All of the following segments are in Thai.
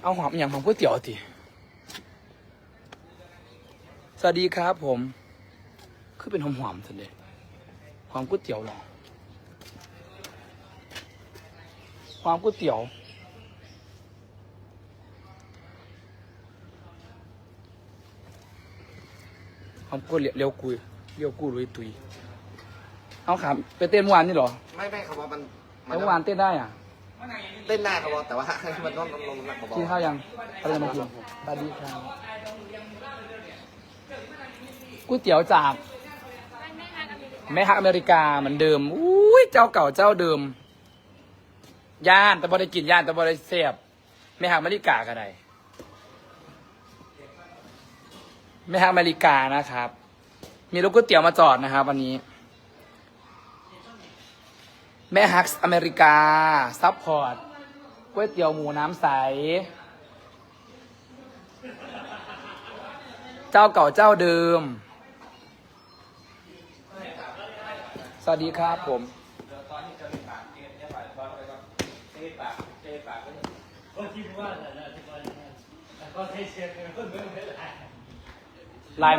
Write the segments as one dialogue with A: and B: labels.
A: เอาหอมอย่างของก๋วยเตี๋ยวทีสวัสดีครับผมคือเป็นหอมๆสันเดหอมก๋วยเตี๋ยวหรอหอมก๋วยเตี๋ยวหอมก๋วยเลี้ยวกุยเลี้ยวกุยลุยตุยเอาขาไปเต้นเมื่อวานนี่หรอ
B: ไม่ครับว่ามัน
A: เมื่อวานเต้นได้อ่ะ
B: เต้นได้ครับว่าแต่ว่ามันต้องลงหนักกว่า
A: กินข้าวยังอะไรมากินสวัสดีครับก๋วยเตี๋ยวจากแม่ฮักอเมริกาเหมือนเดิมอุ้ยเจ้าเก่าเจ้าเดิมย่านแต่บ่ได้กินย่านแต่บ่ได้เสียบแม่ฮักอเมริกาก็ได้แม่ฮักอเมริกานะครับมีรถก๋วยเตี๋ยวมาจอดนะครับวันนี้แม่ฮักอเมริกาซัพพอร์ตก๋วยเตี๋ยวหมูน้ำใสเจ้าเก่าเจ้าเดิมสวัสดีครับผมไลน์ไหม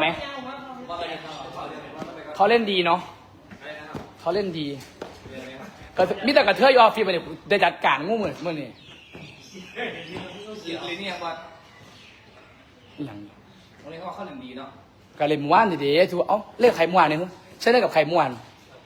A: เขาเล่นดีเนาะเขาเล่นดีก็มิแต่กระเทยออฟฟิศมาเนี่ยได้จัดการงูเหมือนเมื่อนี่อย่างวันนี้เขาเข้าเล่นดีเนาะก็เล่นม้วนดีๆถูกเอ้าเล่นไข่ม้วนเนี่ยใช่เล่นกับไข่ม้วน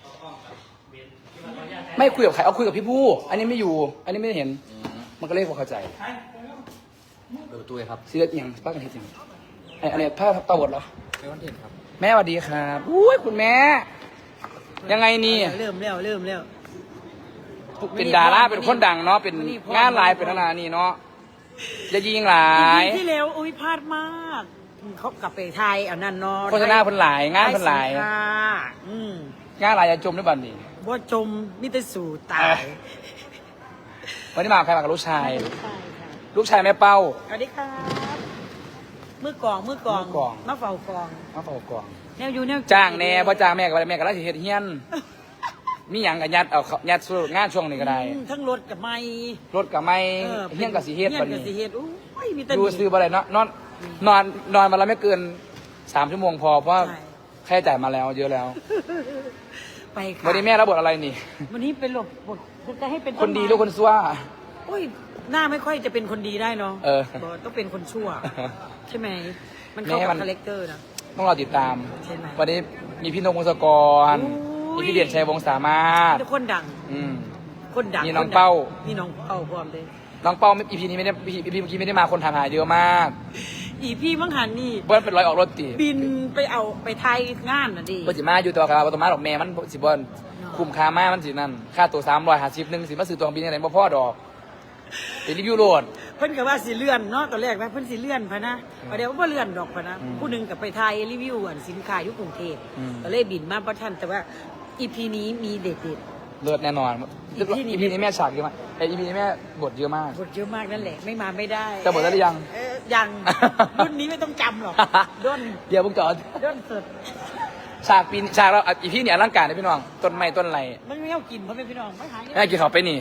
A: ไม่คุยกับใครเอาคุยกับพี่ผู้อันนี้ไม่อยู่อันนี้ไม่เห็นมันก็เล่นพอเข้าใจเปิดประตูเลยครับซีเรียสอย่างป้ากันเห็นอย่างอะไรผ้าตาบดเหรอไม่วันเห็นครับแม่สวัสดีครับอุ้ยคุณแม่ยังไงนี่
C: เริ่มแล้ว
A: เป็นดาราเป็นคนดังเนาะเป็นงานหลายเป็นนานี่เนาะจะยิงหลาย
C: ที่แล้วอุ้ยพลาดมากเขากลับไปไทยเอานั่นเนาะ
A: โฆษณาเพิ่นหลายงานเพิ่นหลายงานหลายจะจมด้วยบัดนี้
C: ว่าจมมิตรสู่ตาย
A: วันนี้มากับใครมากับลูกชายลูกชายแม่เป้า
C: สวัสดีครับมือกองมาเฝ้ากองแนวอยู่แนว
A: จ้างแน่พ่จ้างแม่กับแม่กับราชเฮ็ดเฮียนมีหยังกับยัดเอายัดสู้งานช่วงนี้ก็ได้
C: ทั้งรถกับไม้
A: รถกับไม้เฮียนกับสีเฮ็ดบัดนี้ดูซื้อบ่ได้เนาะนอนมาแล้วไม่เกิน3 ชั่วโมงพอเพราะค่าใช้จ่ายมาแล้วเยอะแล้ว
C: ไปค่ะ
A: วันนี้แม่รับบทอะไรนี่
C: วันนี้เป็นบทจะให้เป็น
A: คนดีหรือคนชั่ว
C: โอ้ยหน้าไม่ค่อยจะเป็นคนดีได้เนาะต้องเป็นคนชั่วใช่ไหมมันเข้ากับคาแรคเตอร์นะ
A: ต้องรอติดตามวันนี้มีพี่นกวงศกรมีพี่เด่นชัยวงศ์สามารถ
C: คนดังคนดัง
A: มีน้องเป้า
C: พร้อมเลย
A: น้องเป้าอีพีนี้ไม่ได้อีพีเมื่อกี้ไม่ได้มาคนถามหาเยอะมาก
C: อีพี่มังหันนี่
A: เบิ้ลเป็นร้อยออกรถตี
C: บินไปไทยงานน่ะดิ
A: เบิ้ลสิมาอยู่ตัวกับตัวมาดอกแม่มันสิบอลคุ้มค่ามากมันสินั่นค่าตัว350นึงสิมาซื้อตัวบินอะไรบ่พ่อดอกเป็นรีวิวโหลด
C: เพิ่นกับว่าสิเลื่อนเนาะตอนแรกนะเพิ่นสิเลื่อนพะนะเดี๋ยวว่าเลื่อนดอกพะนะผู้หนึ่งกับไปไทยรีวิวสินค้าอยู่กรุงเทพก็เลยบินมาประทันแต่ว่าอีพีนี้มีเด็ด
A: เลิศแน่นอนอีพีนี้แม่ฉากเยอะมากแต่อีพีนี้แม่บทเยอะมาก
C: นั่นแหละไม่มาไม่ได้
A: จะบทแล้วหรือยัง
C: ยังรุ่นนี้ไม่ต้องจำหรอกด้น
A: เดี๋ยวพวกจอด
C: ด้นสุด
A: ฉากเราอีพีนี้อลังการนะพี่น้องต้นไม้ต้นไร
C: มันไม่เอากินเพราะเป็นพี่น้องไม่หาย
A: แม่กินเขาไปนี่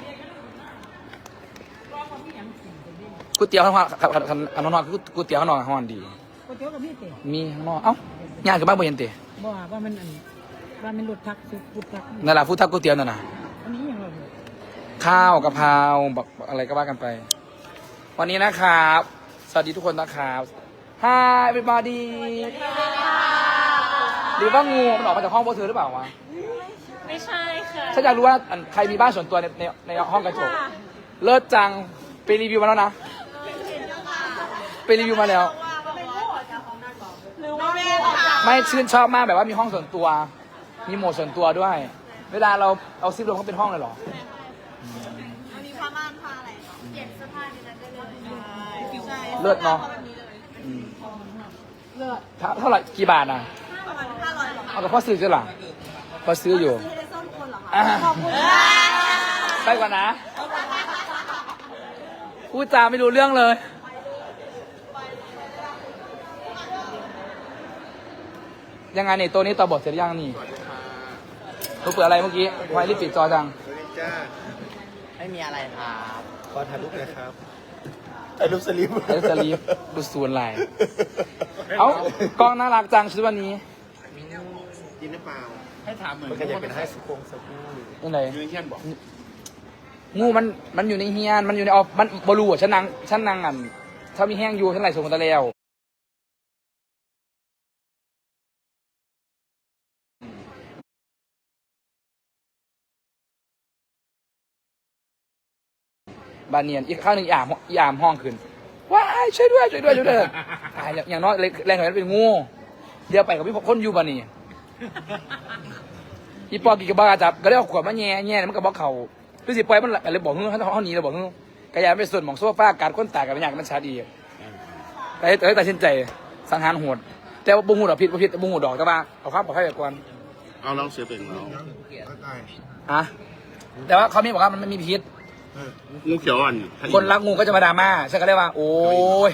A: ก๋วยเตี๋ยวข้างนอกข้างนอกคือก๋วยเตี๋ยวข้างนอกห้อนดี
C: ก๋วยเตี๋ยวกับมีเต๋
A: มีข้างนอกเอ้าย่างกับบ้านบ่เห็นเต๋
C: ว่ามันรถทักฟุตทัก
A: นั่นแหละฟุตทักก๋วยเตี๋ยวนั่นน่ะ
C: อันนี้อย่างไร
A: ข้าวกะเพราแบบอะไรก็ว่ากันไป วันนี้นะครับสวัสดีทุกคนนะครับ Hi everybody หรือว่างูมันออกมาจากห้องพวกเธอหรือเปล่าวะ
D: ไม่ใช่ค่ะ
A: ฉันอยากรู้ว่าใครมีบ้านส่วนตัวในห้องกระจกเลิศจังไปรีวิวมาแล้วนะไปรีวิวมาแล้วไม่ชื่นชอบมากแบบว่ามีห้องส่วนตัวมีโหมดส่วนตัวด้วยเวลาเราเอาซิปลงเขาเป็นห้องเลยเหรอ
D: วันนี้ผ้าม่านผ้าอะไรเปลี่ยนเสื้อผ้าในนั้นได้เลย
A: เลิศเนาะเท่าไหร่กี่บาทอ่ะ
D: ประมาณ500
A: เอาแต่พ่อซื้อใช่หรอพ่อซื้ออยู่
D: ขอบคุณ
A: ไปก่อนนะพูดจาไม่รู้เรื่องเลยยังไงเนี่ยตัวนี้ต่อบทเสร็จยังนี่ตัวเปิดอะไรเมื่อกี้ไฟรีบปิดจอจัง
B: ไม่มีอะไรครับขอถ่ายรูปเลยครับ
E: ไอ้รูปสลิป
A: ไอ้สลีฟดูสวนลายเอ้ากล้องน่ารักจังชุดวันนี้
B: กินหรือเปล่า
E: ให้ถามเหมือนมันก็จะเป็นให้สุโขงสกู
A: ยังไง
E: ยูนิเคียนบอก
A: งูมันอยู่ในเฮียนมันอยู่ในออฟมันบรูอ่ะฉันนั่งอ่ะถ้ามีแห้งอยู่ฉันไหลส่งคนตะแล้วบานเนียนอีกข้างหนึ่งยามห้องขึ้นว้ายช่วยด้วยตายอย่างน้อยแรงหน่อยเป็นงูเดี๋ยวไปกับพี่คนอยู่บานนี่อีปอกี่กระบาจับก็ได้เอาขวดมาแง่มันก็บอกเขาดูสิปล่อยมันอะไรบอกเฮ้ยเขาหนีเลยบอกเฮ้ยกระยาไปส่วนของโซฟาการก้นตากับเป็นอย่างมันชาดีแต่ตัดสินใจสังหารโหดแต่ว่าบุ้งหูดอกผิดบุ้งหูดอกแต่ว่าเอาความปลอดภัยแบบก่อน
E: เอาลองเสียเป็นเรา
A: อะแต่ว่าเขาไม่บอกว่ามันไม่มีพิษ
E: งูเขียวอ่อน
A: คนรักงูก็จะมาดราม่าฉันก็เลยว่าโอ้ย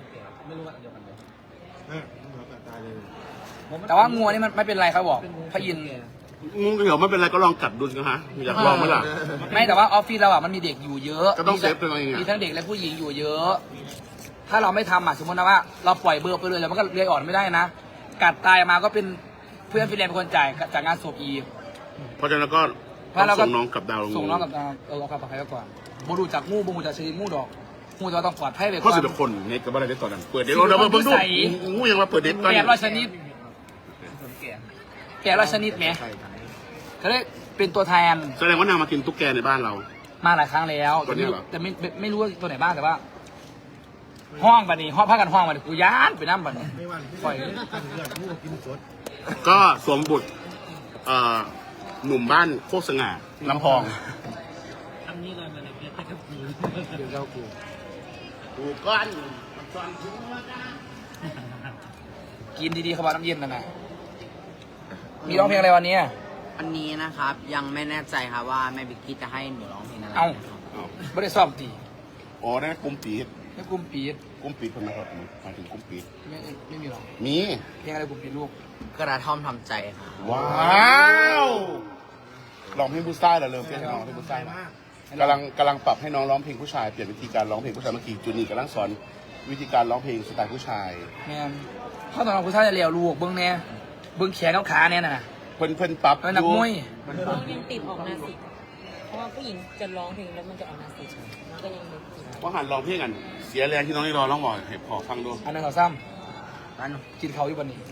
A: แต่ว่างูนี่มันไม่เป็นไรเขาบอกพระอินทร์
E: งูเขียวไม่เป็นไรก็ลองกัดดูสิฮะอยากลองไหมล่ะ
A: ไม่แต่ว่าออฟฟิศเราอ่ะมันมีเด็กอยู่เยอะ
E: ก็ต้องเซฟตัวเองอะ
A: มีทั้งเด็กและผู้หญิงอยู่เยอะ ถ้าเราไม่ทำอ่ะสมมตินะว่าเราปล่อยเบอร์ไปเลยแล้วมันก็เลี้ยงอ่อนไม่ได้นะกัดตายมาก็เป็นเพื่อนฟิแลนซ์เป็นคนจ่ายจากงานศพอีก
E: เพราะฉะนั้นก็
A: เพราะเราก็
E: ส่งน้องกับดาวลง
A: ส่งน้องกับดาวเอาความปลอดภัยไว้ก่อนบูดูจากงูบูจากชนิดงูดอกงูจะต้องปลอดภัยไปก่
E: เพราะ
A: อน
E: สุดคนในกับอะไรได้ตอนนั้นเปิดเด็ดเราเพิ่งดูงูยังมาเปิดเด็ดตอน
A: แกะ
E: นี้
A: ร้อยชนิดแกะร้อยชนิดไหมเขาเรียกเป็นตัวแทน
E: แสดงว่านางมากินตุ๊กแกในบ้านเรา
A: มาหลายครั้งแล้ว
E: ตัวนี้เหรอ
A: แต่ไม่รู้ว่าตัวไหนบ้างแต่ว่า ห้องบัดนี้ห้องพักกันห้องบัดนี้กูย้านไปน้ำบัดนี้ปล่อย
E: ก็สวมบุตรหนุ่มบ้านโคกสง่าลำพอง
A: เดี๋ยวเจ้ากู
E: กูก้อน
A: กินดีๆเขาบอกน้ำเย็นนะนะมีร้องเพลงอะไรวันนี้
F: วันนี้นะครับยังไม่แน่ใจครับว่าแม่บิ๊กกี้จะให้หนูร้องเพลงอะไร
A: เอ้าไม่ได้ซ้อมตี
E: อ๋อได้กลุ่มปีด
A: ไม่กลุ่มปีด
E: กลุ่มปีดคนนะครับหมายถึงกลุ่มปีด
A: ไม่มีหรอก
E: มี
A: เพลงอะไรกลุ่มปีดลูก
F: กระท่อมทำใจครับ
E: ว้าวลองเพลงผู้ชายเหรอเริ่มเพลงให้น้องเพลงผู้ชายนะกำลังปรับให้น้องร้องเพลงผู้ชายเปลี่ยนวิธีการร้องเพลงผู้ชายเมื่อกี้จูนี่กำลังสอนวิธีการร้องเพลงสไตล์ผู้ชาย
A: แมนเข้าตอนเราคุณท่านจะเลี้ยวลูกเบิ้งเนี่ยเบิ้งแขนเขาขาเนี่ยน่ะ
E: เพิ่นปรับ
A: นักมวย
G: ร้องเพลงติดออกนาสิกเพราะว่าผู้หญิงจะร้องเพลงแล้วมันจะออกนาสิกมันก็ยังไม่ติด
E: ว่าหันร้องเพลงกัน เสียแรงที่น้องนี่ร้องบ่อยให้พอฟังดู
A: อันนั้นเขาซ้ำอันกินเขาอยู่บันนี้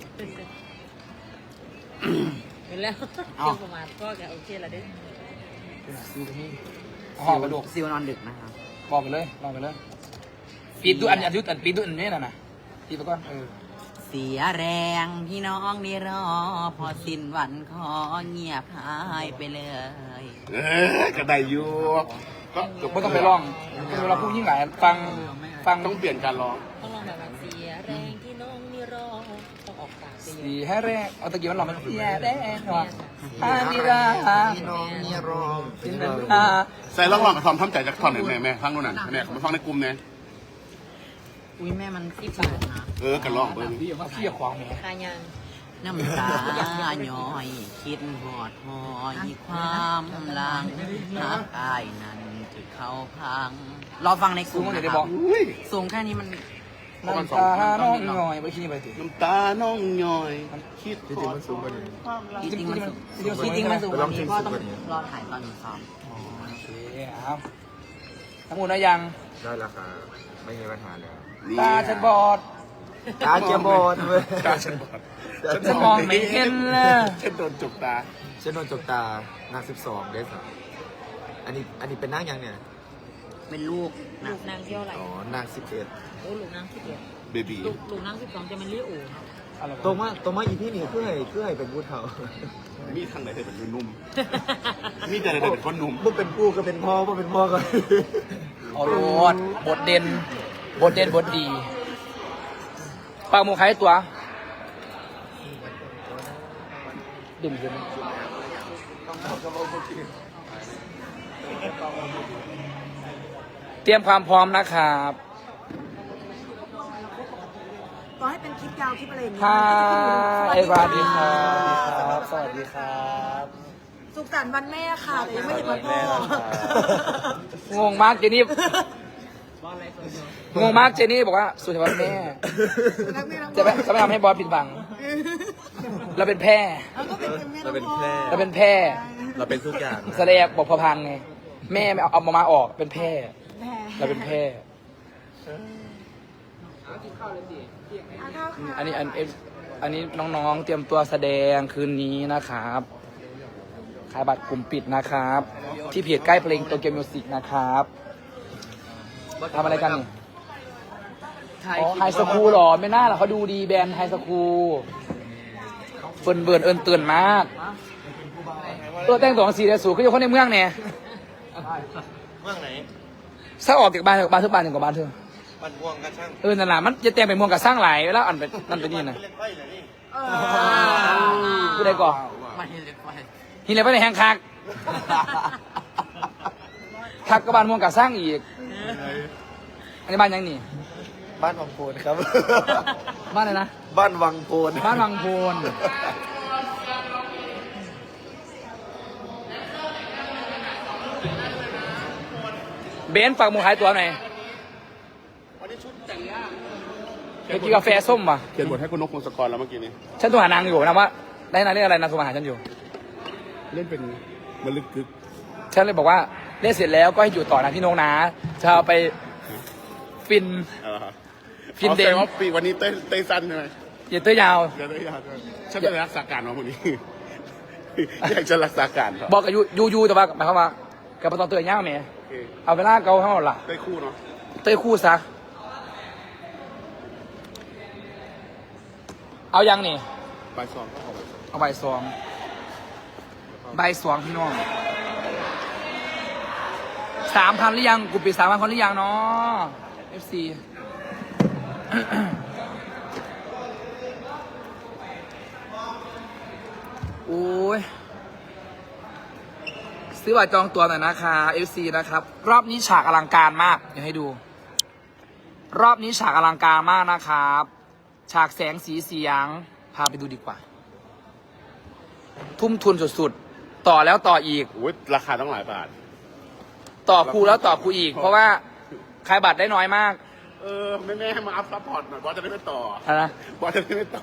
G: เห็นแล้วเกี่ยวประมาณก็แกโอเคแล้วเด้
A: ดูตรงนี้ห่อกระดูก
F: ซิวนอนดึกนะครับ
A: บอกไปเลยลองไปเลยปีดดูอันยุดอันปีดดูอันนี้น่ะนะปีดไปก่อน
F: เสียแรงพี่น้องนี่รอ พอสิ้นวันขอเงียบหายไปเลย
E: ก็ได้อยู่ก็
A: ไม่ต้องไปร้องเราพูดยิ่งหลายฟัง
E: ต้องเปลี่ยนการร้อง
G: ต้องลองแบบว่าเสียแรงที่น้องนี่รอต้องออกปากไปเย
A: สี
G: อะ
A: ให้แรกเอาตะกี้มันหลอกมันเสียแรกหรออามิรา
B: พี่น้องนี่รอ
A: สินนา
E: ใส่ร้องกับทอมทำใจจากทอนไหนแม่ฟังดูหน่อยแม่เขาไปฟังในกลุ่มเนี่ย
F: อุ้ยแม่มันที่ปากนะ
E: กันร้องเบิ้ง
A: พี่ว่าพี่ขวางแม่
G: คายัง
F: น้ำตาย้อย คิดหอดหอยความหลังหากอายนั้นจะเข้าพัง รอฟังในก
A: สู
F: ลุ่
A: ง
F: ม
A: มัน
F: นะ
A: จะได้
F: ค
A: บ
F: รั
A: อบ ก
F: สูงแค่นี้มัน
A: น้ำตาน้องหน่อยไปคิดนี่ไปสิ
E: น้ำตาน้องย่อย คิด
B: จริงๆมันสูงกว่านี้
F: จริงๆมันสูงจริงๆมันสูงกว่านี้ก็ต้องรอถ่ายตอนหนูซ้อม
A: โอเคครับทั้งหมดนะยัง
B: ได้ราคาไม่มีปัญหาแล้ว
A: ตาฉันบอด
B: ตาเกียบอดเว้ย
E: ตาฉันบอด
A: ฉันมองไม่เห็นเลย
E: ฉันโดนจุกตา
B: ฉันโดนจกตาหนัก12ได้สักอันนี้เป็นนางยังเนี่ย
F: เป็นลูกนะ
G: ลูกนางเที่ยวไหล
B: อ๋อนาง11
G: โอ้ลูกนาง11
E: เบบี
G: ลูกนาง12จะเป็นเลี้ยอู่
B: ตรงมาอีพี่นี่คือให้เป็นผู้เฒ่า
E: มีทางไหนได้เป็นนุ่มมีแต่ไหนได้เป็นคนนุ่ม
B: บ่เป็นผู้ก็เป็นพ่อบ่เป็นพ่อก็
A: เอาโลดบทเด่นบทดีปากหมูไข่ตัวเด่นขึ้นเตรียมความพร้อมนะครับ
C: ต่อให้เป็นคลิปยาวคลิปอะไรอย่างเงี้
A: ค่ะ
C: ย
A: เอวาดีครับ สวัสดีครับ
C: สุขสันต์วันแม่ค่ะแต่ยังไม่ถึงวันพ่อ
A: งงมากเจนี่งงมากเจนี่บอกว่าสุดท้ายแม่จะไม่ทำให้บอสผิดหวังเราเป็นแพร่
B: เราเป็นแพร่
A: เราเป็นแพร่
B: เราเป็นทุกอย่าง
A: แสดงบอกพอพังไงแม่ไม่เอามาออกเป็นแพร่เราเป็นแพร่อันนี้น้องๆเตรียมตัวแสดงคืนนี้นะครับขายบัตรกลุ่มปิดนะครับ ที่เพจใกล้เพลงโตเกียวมิวสิกนะครับทำอะไรกันนี่อ๋อไฮสคูลหรอไม่น่าหรอเขาดูดีแบรนด์ไฮสคูลเฟิร์นเบิร์นเอิญเตือนมากตัวแต่งตัวของสีแดงสูงก็อยู่คนในเมืองเนี่ย
B: เมืองไหน
A: ถ้าออกจากบ้านทุกบ้านถึงกับบ้านเธอ
B: บ้านม่วงกันช่าง
A: นั่นแหละมันจะแต่งเป็นเมืองกับสร้างหลายแล้วอันเป็นนั่นเป็นนี่นะ
B: เล่นไฟเลยนี่
A: ผู้ใดก่อน
F: ไม่เล็กไป
A: หินเลยไปในแห่งคักคักกับบ้านเมืองกับสร้างอีกอันนี้บ้านยังนี่
B: บ้านวังโพนครับ
A: บ้านอะไรนะ
B: บ้านวังโพน
A: บ้านวังโพนเบนซ์ฝากหมูขายตัวหน่อยไปกินกาแฟส้มป่ะ
E: เขียนบทให้คุณนกพงศกรแล้วเมื่อกี้นี้
A: ฉันโทรหานางอยู่นะว่าได้นางเรื่องอะไรนางโทรมาหาฉันอยู่
E: เล่นเป็นมะลึกกึก
A: ฉันเลยบอกว่าเล่นเสร็จแล้วก็ให้อยู่ต่อนะพี่นงนะจะเอาไปฟิน ฟินเดน
E: ว่าปีวันนี้เต้ยสั้นใช่ไหม
A: อย่าเต้ยยาว
E: เดี๋ยวเต้ยยาวด้วยฉันจะรักษาการของคนนี้ อยากจะรักษาการครับ
A: บอกกับยูแต่ว่าหมายความว่ากับตอนเต้ยยาวไหม
E: โอเค
A: เอาเวลาเกาเท่าไหร่
E: เต้ยคู่เนาะ
A: เต้ยคู่ซะเอายังนี่
E: ใบซองก็ขอ
A: เอาใบสองพี่น้อง3,000หรือยังกูปิด3,000 คนหรือยังเนาะ FC โอ้ยซื้อบัตรจองตัวหน่อยนะคะ FC นะครับ รอบนี้ฉากอลังการมากเดี๋ยวให้ดู รอบนี้ฉากอลังการมากนะครับ ฉากแสงสีเสียงพาไปดูดีกว่า ทุ่มทุนสุดๆ ต่อแล้วต่ออีก
E: โอ้ยราคาต้องหลายบาท
A: ต่อครูแล้วต่อครูอีก เพราะว่าขายบัตรได้น้อยมาก
E: แม่มาอัพซัพพอร์ตหน่อยบอสจะได้ไม่ต่อ
A: อะไรนะ
E: บอสจะได้ไม่ต่อ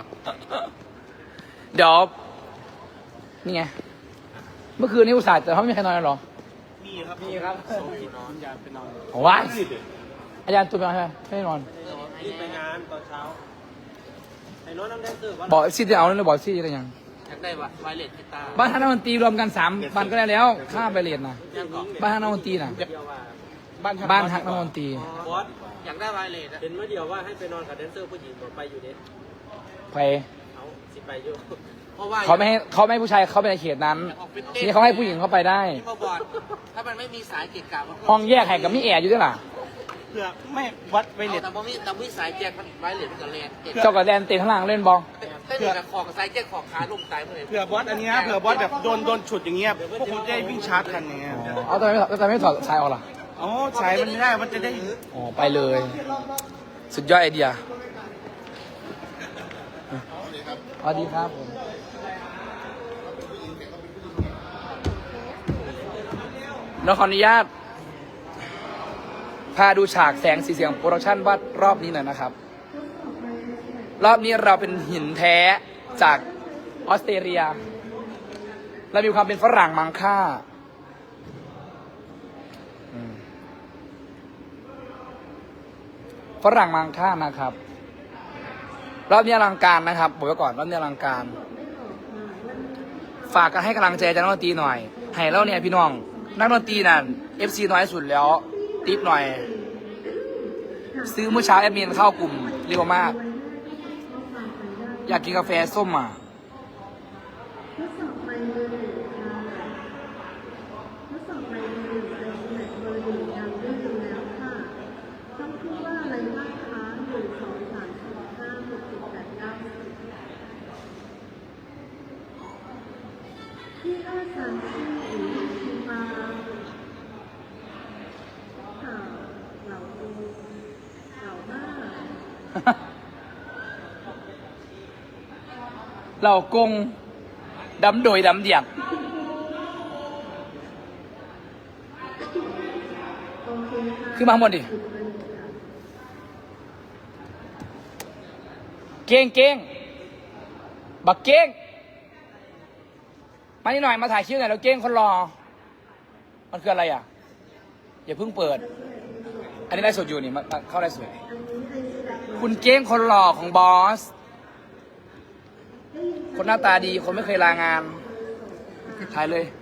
A: เดี๋ยวนี่ไง เมื่อคืนนี้อุตส่าห์แต่เขาไม่มีใครนอนหรอ
B: มีครับมีครับโซฟีนอนอยากไปนอน
A: โอ้ยอาจารย์ตัวไปนอนใช่ไหมไม่ได้นอน
B: รีบไปงานตอนเช้าไอ้น้องน้ำแดงตื่น
A: บอกซีจะเอาเลยบอกซีอะไรยัง
F: อยากได้ไวเลสกีตาร์
A: บ้านท่านนักดนตรีรวมกัน3 วันก็ได้แล้วค่าไปเรียนนะ
F: ยังก่อน
A: บ้านท่านนักดนตรีนะ
B: บ้าน
A: บ้านทักนักดนตรี
B: บอส
F: อยากได้ไวเลสอะ
B: เป็นเมื่อเดียวว่าให้ไปนอนกับแดนเซอร์ผู้หญิงบอกไปอยู่เด็ด
A: ไป
B: เอาสิไปอยู่
F: เพราะว่า
A: เขาไม่ให้ผู้ชายเข้าไปในเขตนั้นทีนี้เขาให้ผู้หญิงเข้าไปได้
F: ที่มาบอกถ้ามันไม่มีสายเกะกะมัน
A: ห้องแยกแห่งกับมีแอร์อยู่ด้วยล่ะ
B: เพื่อไม่วัดไป
F: เอา
B: เน็ต
F: แต่พอมีสายแจ็คมันไวเลสมันก็แรงเกะ
A: เจ้ากับแดนเตะข้างล่างเล่นบอล
F: เต้นกับขอบกับสายแจ็คขอบขาลงตายเมื่อไหร่
B: เผื่อบอสอันนี้นะเผื่อบอสแบบโดนฉุดอย่างเงี้ยพวกคุณจะได้วิ่งชาร์จกันอย่างเงี้ย
A: เอาทำไมไม่ถอดสายออกล่ะ
B: อ๋อสายมันไม่ได้มันจะได้
A: อ๋อไปเลย สุดยอดไอเดียสวัสดีครับผมเราขออนุญาตพาดูฉากแสงสีเสียงโปรดักชั่นว่ารอบนี้หน่อยนะครับ รอบนี้เราเป็นหินแท้จากออสเตรเลียและมีความเป็นฝรั่งมังค่าฝรั่งมังค่านะครับ รอบนี้อลังการนะครับบอกไว้ก่อนรอบนี้อลังการ ฝากกันให้กำลังใจอาจารย์นักดนตรีหน่อยให้เราเนี่ยพี่น้องนักดนตรีนั่น FC น้อยสุดแล้วติ๊บหน่อย ซื้อเมื่อเช้าแอดมินเข้ากลุ่มเรียกว่ามาก อยากกินกาแฟส้มอ่ะเรากงดำโดยดำเดียกขึ้นมาข้างบนดิเก้งเก้งบักเก้งมานี่หน่อยมาถ่ายคลิปหน่อยแล้วเก้งคนรอมันคืออะไรอ่ะอย่าเพิ่งเปิด อันนี้ได้สดอยู่นี่มาเข้าได้สวยคุณเก้งคนหล่อของบอสคนหน้าตาดีคนไม่เคยลางานถ่ายเลย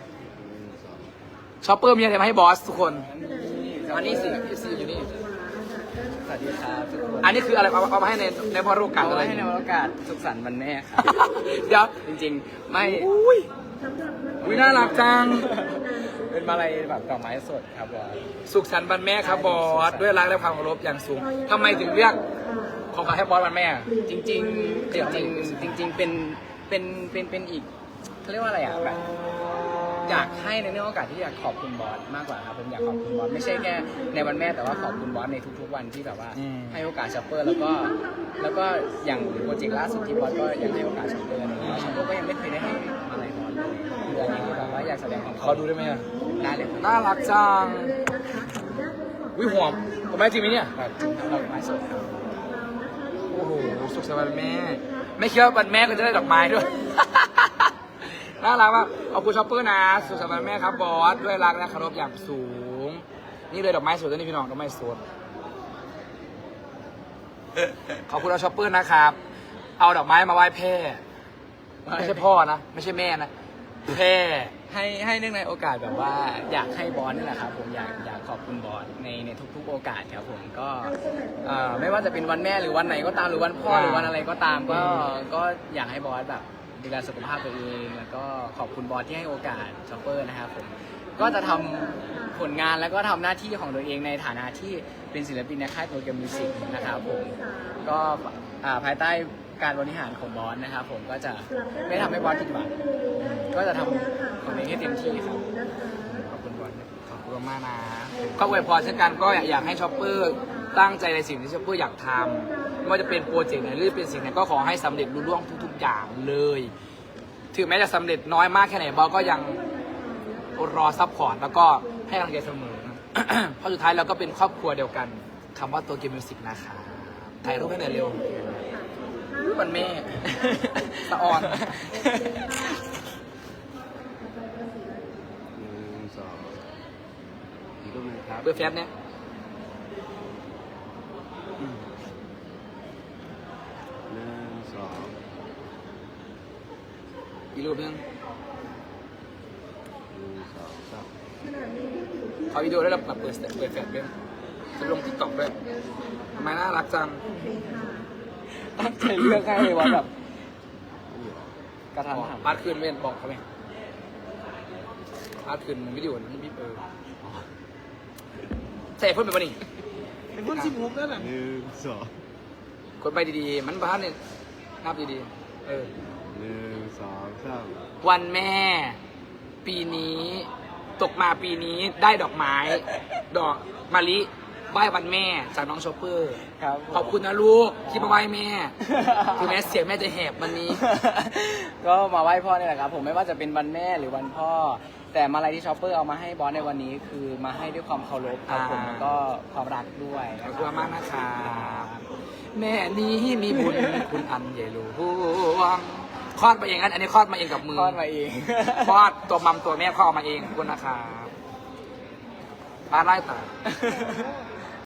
A: ชอปเปอร์มีอะไรมาให้บอสทุกคนอันนี้สิอยู่นี่
F: สวัสดีครับทุกคน
A: อันนี้คืออะไรเอามาให้ในวาระโอกาสอะไร
F: ให้ในโอกาสสุขสันต์วันแม่ครับ
A: เดี๋ยว
F: จริงๆไม่
A: อุ้ยน่ารักจัง
F: เป็นมาลัยแบบดอกไม้สดครับบอส
A: สุขสันต์วันแม่ครับบอสด้วยรักและความเคารพอย่างสูงทำไมถึงเลือกของขวัญให้บอสวันแม่
F: จริงๆจริงๆเป็นอีกเขาเรียกว่าอะไรอ่ะแบบอยากให้ในเรื่องโอกาสที่อยากขอบคุณบอสมากกว่าครับผมอยากขอบคุณบอสไม่ใช่แค่ในวันแม่แต่ว่าขอบคุณบอสในทุกๆวันที่แบบว่าให้โอกาสช็อปเปอร์แล้วก็อย่างโปรเจกต์ล่าสุดที่บอสก็ยังให้โอกาสช็อปเปอร์นะครับช็อปเปอร์ก็ยังไม่เคยได้ให้อะไรบอสเลยคืออันนี้คือแบบว่าอยากแสดงความ
A: ขอดูได้ไหมอ่ะ
F: ได้เลยครับ
A: น่ารักจังวิหอมผมไม่จริงไหมเนี่ย
F: แบบดอกไม้สดครับ
A: โอ้โหสุขสันต์วันแม่ไม่คิดว่าวันแม่ก็จะได้ดอกไม้ด้วย น่ารักมากขอบคุณช็อปเปอร์นะสุขสันต์วันแม่ครับบอสด้วยรักและเคารพอย่างสูงนี่เลยดอกไม้สดตัวนี้พี่น้องดอกไม้สดขอบคุณเราช็อปเปอร์นะครับเอาดอกไม้มาไหว้แพ่ไม่ใช่พ่อนะไม่ใช่แม่นะแพ่
F: ให้เนื่องในโอกาสแบบว่าอยากให้บอสนี่แหละครับผมอยากขอบคุณบอสในทุกๆโอกาสครับผมก็ไม่ว่าจะเป็นวันแม่หรือวันไหนก็ตามหรือวันพ่อหรือวันอะไรก็ตามก็อยากให้บอสแบบดูแลสุขภาพตัวเองแล้วก็ขอบคุณบอสที่ให้โอกาสช็อปเปอร์นะครับผมก็จะทำผลงานแล้วก็ทำหน้าที่ของตัวเองในฐานะที่เป็นศิลปินในค่ายโตเกียวมิวสิกนะครับผมก็ภายใต้การบริหารของบอสนะครับผมก็จะไม่ทำให้บอสผิดหวังก็จะทำของตัวเองให้เต็มที่ครับขอบคุณบอส
A: ขอบคุณมากนะก็อวยพรเช่นกันก็อยากให้ช็อปเปอร์ตั้งใจในสิ่งที่ช็อปเปอร์อยากทำไม่ว่าจะเป็นโปรเจกต์ไหนหรือเป็นสิ่งไหนก็ขอให้สำเร็จรุ่ล่วงทุกๆอย่างเลยถึงแม้จะสำเร็จน้อยมากแค่ไหนบอสก็ยังรอซัพพอร์ตแล้วก็ให้กำลังใจเสมอ เพราะสุดท้ายเราก็เป็นครอบครัวเดียวกันคำว่าตัวเกมมิวสิกนะคะถ่ายรูปให้หน่อยเร็วรูปมันแม่ สะออน
E: อีกรูปหนึงครับ
A: เบอร์แฟบเนี่ย อีกรูปนึงขอวิดีโอได้แบบเปิดแฟลชด้วยจะลงติ๊กต็อกด้วยทำไมน่ารักจัง
F: ตั้งใจเลือกให้ว่าแบบกระทันหัน
A: อาร์ตคืนเว้นบอกเขาไหมอาร์ตคืนวิดีโอนี่พี่ใส่เพิ่มไปป่ะนี่
C: เป็นคน16แล้วน่ะ
A: กดไปดีๆมันบ้านเนี่ยนับดีๆวันแม่ปีนี้ตกมาปีนี้ได้ดอกไม้ ดอกมะลิไหว้วันแม่จากน้องชอปเปอร์
F: ครับ
A: ขอบคุณนะลูกที่มาไหว้แม่ถึงแม้เสียงแม่จะแหบวันนี้
F: ก็มาไหว้พ่อนี่แหละครับผมไม่ว่าจะเป็นวันแม่หรือวันพ่อ แต่มาลัยที่ช็อปเปอร์เอามาให้บอสในวันนี้คือมาให้ด้วยความเคารพครับผมแล้วก็ความรักด้วย
A: ขอบคุณมากนะครับแม่นี้มีบุญคุณอันใหญ่หลวงคลอดมาเองอันนี้คลอดมาเองกับมือ
F: คลอดมาเอง
A: คลอดตัวมัมตัวแม่คลอดมาเองขอบคุณนะครับป้าไล่ตา